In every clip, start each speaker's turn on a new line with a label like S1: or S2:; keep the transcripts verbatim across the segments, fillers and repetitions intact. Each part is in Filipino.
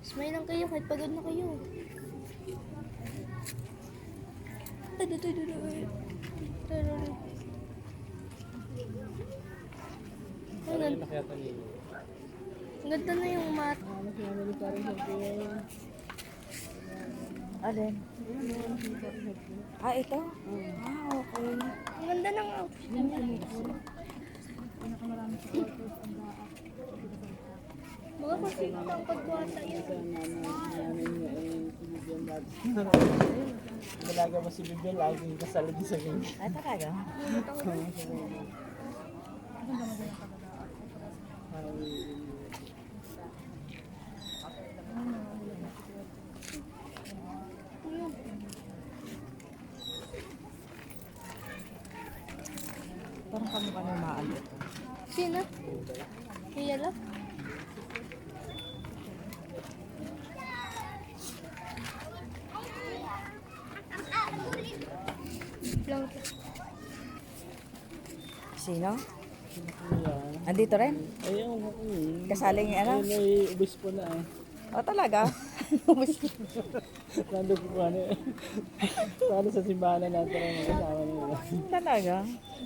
S1: Smile lang kayo kahit pagod na kayo. Ado, ado, ado, ado. Ang
S2: Parang yung
S1: ganda.
S2: nakayata niyo.
S1: Ang ganda na yung mat.
S3: Alin? Ah, ito? Ah, okay.
S1: Ang ganda ng outfit niya. Mga kasi ang pagbuhata yun.
S2: Dalaga mo si Bibel, laging kasali din sa ganyan.
S3: Ay, talaga? Parang kamukha ng maan ito.
S1: Sino? Kaya lang? Lang.
S3: Sino? Andito rin?
S2: Ayun, mm.
S3: Kasaling ano?
S2: Ayun, may ubis po na eh.
S3: Oh, talaga?
S2: Nandun po ano eh. Paano sa simbahan na natin ang kasama nila.
S3: Talaga?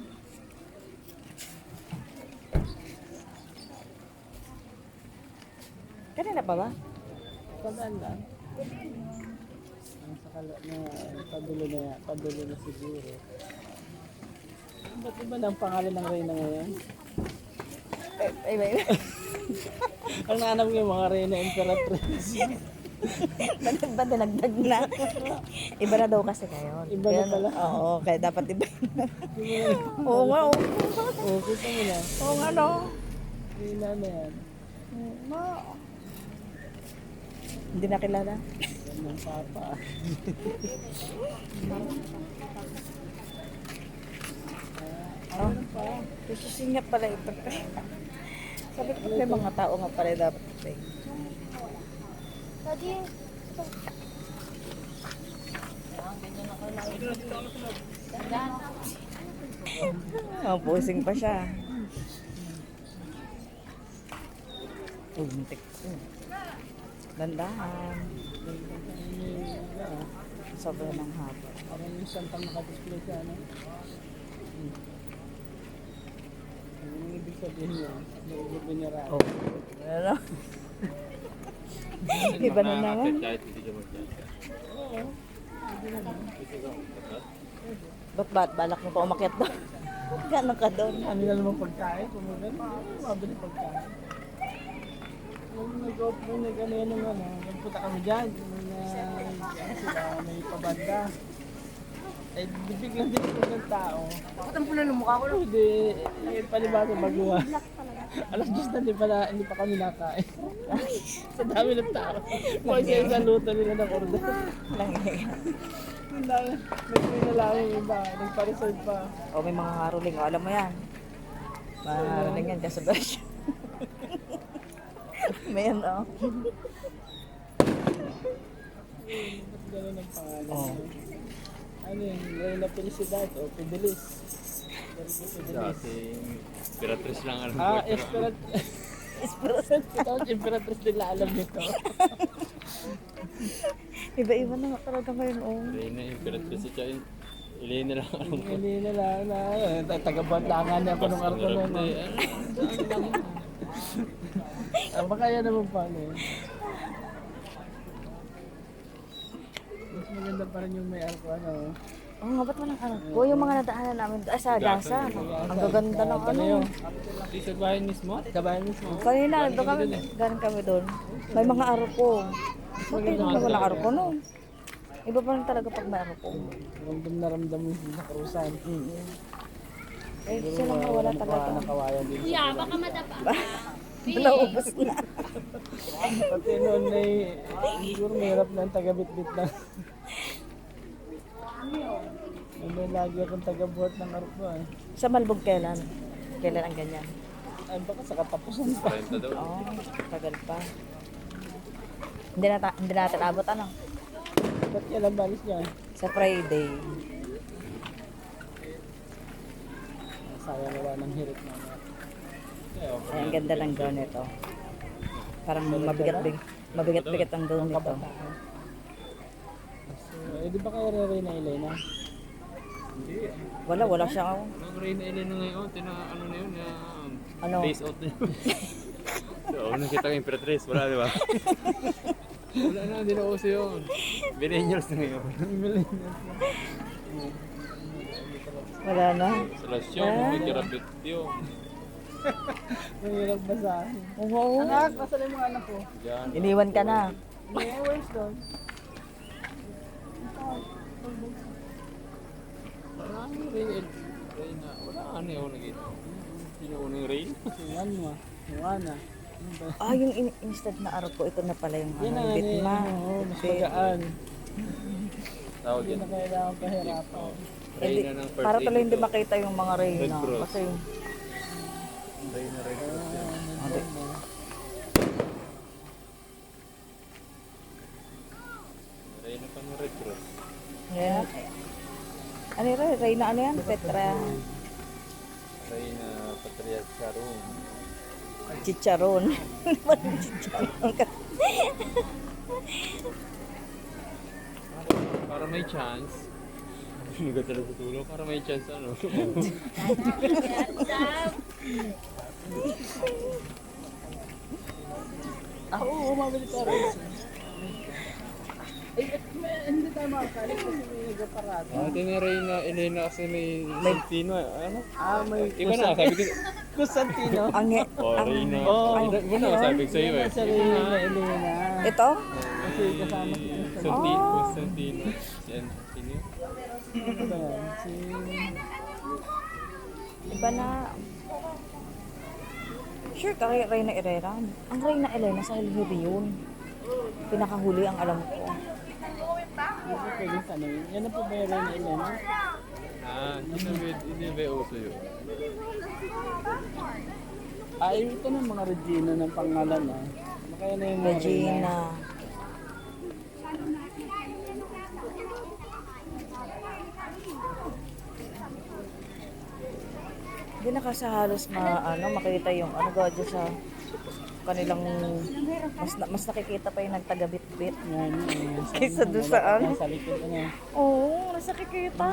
S3: Kanina pa ba?
S2: Tandaan lang. Ang sakala na padulo na yan, padulo na siguro. Ba't iba na ang pangalan ng Reyna ngayon?
S3: Eh, iba iba.
S2: Ang naanap ko yung mga Reyna Imperatriz.
S3: Bakit ba dinagdag na? Iba na daw kasi kayo.
S2: Iba na
S3: Kaya-
S2: pala.
S3: Oo, kaya dapat iba. Oo nga, oo.
S2: Oo, kita mo na.
S3: Oo nga, no.
S2: Reyna na yan.
S3: No. Hindi na kilala.
S2: Yan ng papa.
S3: Oh, sususin nga pala ito. Sabi ko may mga tao nga pala dapat ito. eh.
S1: Daddy,
S3: Oh, pusing pa siya. Untik. Dandahan. Sobrang ng haba.
S2: Parang yung santang nakadisplay sa ano. Hmm. Ano yung ibig sabihin niya? Nag-ibig niya raw.
S3: Oh. Ano? Iba na naman.
S2: Oo.
S3: Ba't ba't balak mo pa umakyat doon? Gano'n ka doon?
S2: Ano na naman pagkain? Kung maganda, mabili pagkain. Nung nag-off mo, nag-ano yan ng ano, nagpunta kami dyan. Nung uh, sila, may pabanda. Eh, biglang din ko ng tao.
S3: Bakit ang pula ng mukha ko?
S2: Hindi, eh, palibasa baguha. Alas dos na, hindi pa, na, hindi pa kami nakain. Sa dami ng tao. Kung isa-isa luto nila ng order. Ang dami, nag-free na lang yung iba, nagpa-reserve pa.
S3: O may mga haruling. O, alam mo yan. Mga haruling yan kasi brush. May yan, o.
S2: Ba't gano'n ang pangalan?
S3: Oh.
S2: Ano yun, Reyna Felicidad o Fidelis. Fidelis.
S4: Dati, Imperatriz lang alam ko.
S2: Ah,
S4: pero-
S2: Esperat.
S3: Espros.
S2: Ito, Imperatriz nila alam nito.
S3: Iba-iba na nga talaga ngayon, o.
S4: Reyna, Imperatriz at saka Elena lang alam ko.
S2: Hindi na lang na, taga-bandangan na ako nung arko nun.
S4: Hindi,
S2: eh.
S4: ano,
S2: Ah, baka yan naman pala eh. Mas maganda pa rin yung may arko ano.
S3: Oo nga, ba't walang anak ko? Yung mga nadaanan namin, ay sa gasa. Ang gaganda ng ano.
S2: Di sa bahay mismo? Sa bahay mismo?
S3: Kanina, doon kami, galing kami doon. May mga arko. Bakit naman walang arko, no? Iba pa rin talaga pag may arko.
S2: Ramdam na ramdam mo yung nakarusan.
S3: Eh, sila nga wala talaga.
S2: Nakawayan din.
S1: kuya, baka madapa.
S3: Naubos na.
S2: Pati noon ay siguro mahirap na ang taga-bit-bit na. Ano lagi akong taga-buhat ng arko eh.
S3: Sa Malbog kailan? Kailan ang ganyan?
S2: Ay baka sa katapusan pa.
S4: kwenta daw.
S3: Oo, tagal pa. Hindi, na hindi natin abot ano?
S2: Ba't kailan balis niya?
S3: Sa Friday.
S2: Sayang wala ng hirit na.
S3: Ay, ang ganda ng gown nito. Parang mabigat big. Mabigat-bigat ang gawin nito.
S2: Kabataan. So, eh, di ba kayo re na Elena?
S4: Hindi.
S3: Wala, wala siya. Oh.
S4: Anong Reyna Elena ngayon? Tina, ano na yun? Na,
S3: Ano?
S4: Days out na yun. So, ako nakita ko yung Imperatrice. Wala, di ba? Wala na, hindi na uso yun. Millennials na ngayon.
S3: Wala na.
S4: Salasyon,
S3: Ah.
S4: may kirapit yun.
S2: Mahirap basahin.
S3: Oo.
S2: Anak, nasaan yung mga anak ko?
S4: Diyan.
S3: Iniwan ka na.
S2: Yeah, where's doon?
S4: Wala na yung Reyna. Reyna. Wala ano yung nakita. Sino unang Reyna?
S2: Yan mo. Juana. Ano ba?
S3: Ah, yung in- instant na araw ko, ito na pala yung
S2: Yan
S3: ano,
S2: ang ano
S3: bitma.
S2: yan, oo, mas
S3: Bit-
S2: magaan.
S4: Tawag
S2: Hindi
S4: yan.
S2: na kailangan pahirapan.
S3: Hindi,
S4: Reyna ng first
S3: para tuloy
S4: aid
S3: hindi
S4: ito.
S3: makita yung mga
S4: Red
S3: reyna.
S4: Cross.
S3: Kasi,
S4: Reyna Red Cross yan.
S3: hindi.
S4: Reyna pa ng Red Cross.
S3: Yan. Ano yun? Reyna ano yan? Petra.
S4: Reyna Patria Charon.
S3: Chicharon. Parang chicharon ka.
S4: Para may chance. Hindi ka talaga tutulog. Para may chance ano.
S2: Ah, oo, mabili ka rin. Eh, eh, may- hindi tayo makakalit kasi may nagpaparado.
S4: Ate ni Reyna Elena kasi may Santino. Ano?
S2: Ah, may
S4: Iba na, sabi ko.
S2: Constantino.
S3: Ang,
S4: Oh,
S3: ang,
S4: Reyna.
S2: Oh,
S4: Iba iba na, sabi ko sa'yo eh.
S2: Sa Reyna Elena.
S3: ito?
S2: Kasi kasama si Constantino.
S4: Santino. Constantino. Si Antino.
S2: Ano ba yan? Si...
S3: Iba na. Sure ka kay Reyna Herrera? Ang Reyna Elena sa Hilary yun. Pinakahuli ang alam ko.
S2: Hindi ko pwedeng tanongin. Yan na po ba yung Reyna Elena?
S4: Ah, hindi na ba- hindi ba uso yun?
S2: Ah, ito na mga Regina ng pangalan ah. Kaya na yung mga Reyna.
S3: Regina. Hindi na kasi halos ma, ano, makita yung ano ga dyan sa kanilang mas na- mas nakikita pa yung nagtagabit-bit.
S2: Yan, yan.
S3: Kaysa doon sa ano.
S2: Sa likod ano.
S3: Oo, mas nakikita.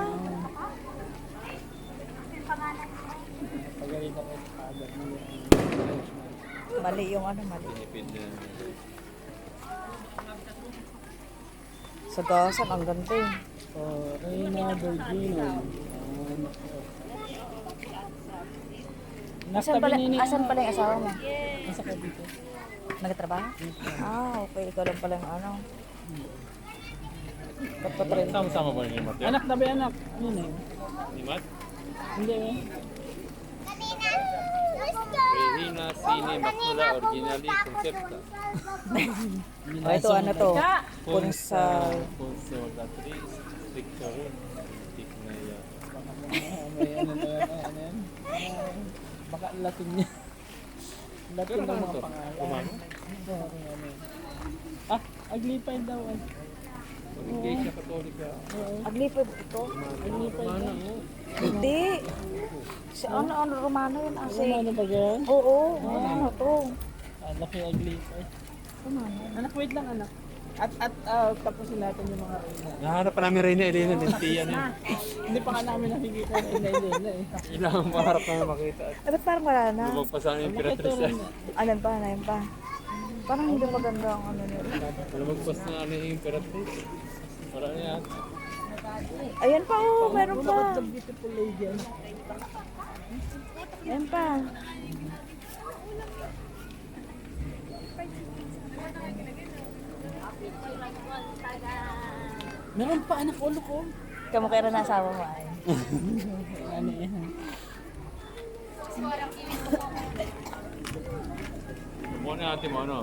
S2: Pagaling ako sa kagat mo yung...
S3: Mali yung ano, mali.
S4: Pinipid na.
S3: Sa gasan, ang ganda eh.
S2: So, Reyna Virgina. Nasa
S3: Asan pala,
S2: tabi ni
S3: asan pala yung asawa mo?
S2: Nasa ka dito.
S3: Nagtrabaho? Ah, okay. Ikaw lang pala yung ano.
S2: Kapatrin.
S4: Sama-sama ba ni Mat?
S2: Anak na ba anak? Ano na yun?
S4: Ni Mat?
S2: Hindi eh.
S4: Reyna Cine Macula Originali Concepta.
S3: Oh, ito ano to? Punsal.
S4: Ponce Magdatriz. Picture. Tik na yan.
S2: Ah, may ano na yan, ano yan. Ah, baka Latin niya. Latin ng mga pangalan.
S4: Kumano?
S2: Oo, kung ano yun. Ah, aglipay daw eh.
S4: Iglesia Katolika.
S2: Oo,
S3: Aglipad ito?
S2: aglipay daw.
S3: Hindi. Si ano, ano, Romano yun
S2: Ano
S3: kasi.
S2: ano ba yan?
S3: Oo, ano to?
S2: Ah, laki aglipay.
S3: Romano.
S2: Anak, wait lang anak. At at ah, tapusin natin yung mga Reyna.
S4: Nahanap pa namin Reyna Elena din. Tiyan yun.
S2: Hindi pa nga namin nakikita na Elena eh.
S4: Ilang maharap namin makita.
S3: Eh, ba't parang wala na?
S4: Lumag pa sa amin yung Imperatrice yan.
S3: Alam pa, alam pa. Parang hindi maganda ang ano nila.
S4: Lumagpas na ano yung Imperatrice. Wala na yan.
S3: Ayan pa, oh, meron
S2: Look at
S3: pa.
S2: the beautiful lady. ano?
S3: Ayan pa.
S2: Meron pa anak ulo ko.
S3: Kamukha na asawa mo ay.
S2: Ano yan?
S4: Kumuha na natin mo ano.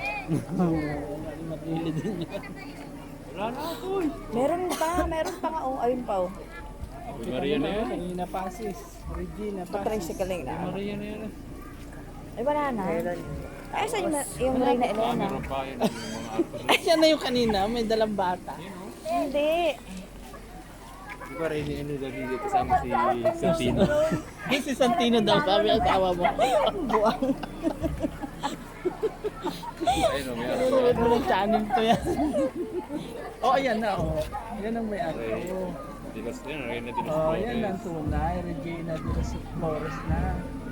S2: Matili din yan.
S4: Wala na ako.
S3: Meron pa, meron pa nga. Oh, ayun pa, oh.
S4: Maria na yan.
S2: Kanina Pasis. Regina Pasis.
S3: Patricycling na.
S4: Maria na yan.
S3: Ay, wala na. Ay, saan yung, yung Reyna
S4: Ah,
S3: Elena?
S4: meron pa yun. Yung mga actor.
S2: Ay, siya na yung kanina. May dalang bata.
S3: Hindi.
S4: Di ba Reyna Elena dito kasama si Santino?
S2: Yung si Santino daw, sabi ang asawa mo.
S3: Buang.
S4: Ayun o, may ako.
S2: Nanonood mo ng channel to yan. Oh, ayan na, oh. Yan ang may ako.
S4: Ray. Dinos yun, Ray na Dinos
S2: Oh, yan
S4: Flores.
S2: ang tunay. Regina de los Flores na.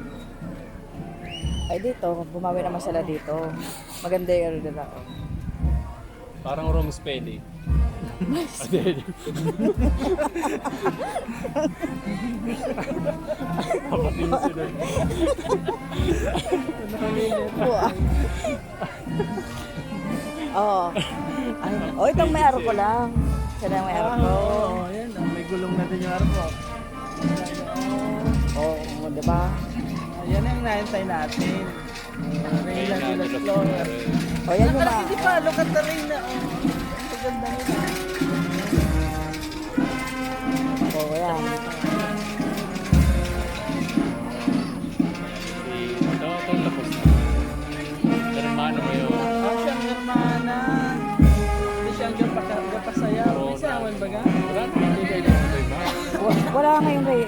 S3: Ay dito, bumawi naman sila dito. Maganda yung ano nila.
S4: Parang Rome Spelly. Ade. Kapatid sila.
S3: Buwa. Oo. Ay, oh, itong may aro ko lang. Sila yung may aro
S2: Ah,
S3: ko.
S2: oo, yan. Oh, may gulong na din yung arko.
S3: Oo, oh, di ba?
S2: Yan ang naantay natin. Uh, Reyna de los Flores.
S4: Flores.
S3: O, yan yung
S2: Parang
S3: mga...
S2: hindi pa, look at the Reyna. Oh. Ang ganda nila.
S3: Oo, yan.
S4: Si ito, ito tapos na. Hermano mo yun.
S2: Oh, siyang hermana. Hindi siyang gapaka- gapasayaw. May sayawan ba ga?
S4: Wala naman yung kayo ng ba?
S3: Wa- Wala ngayong Rey,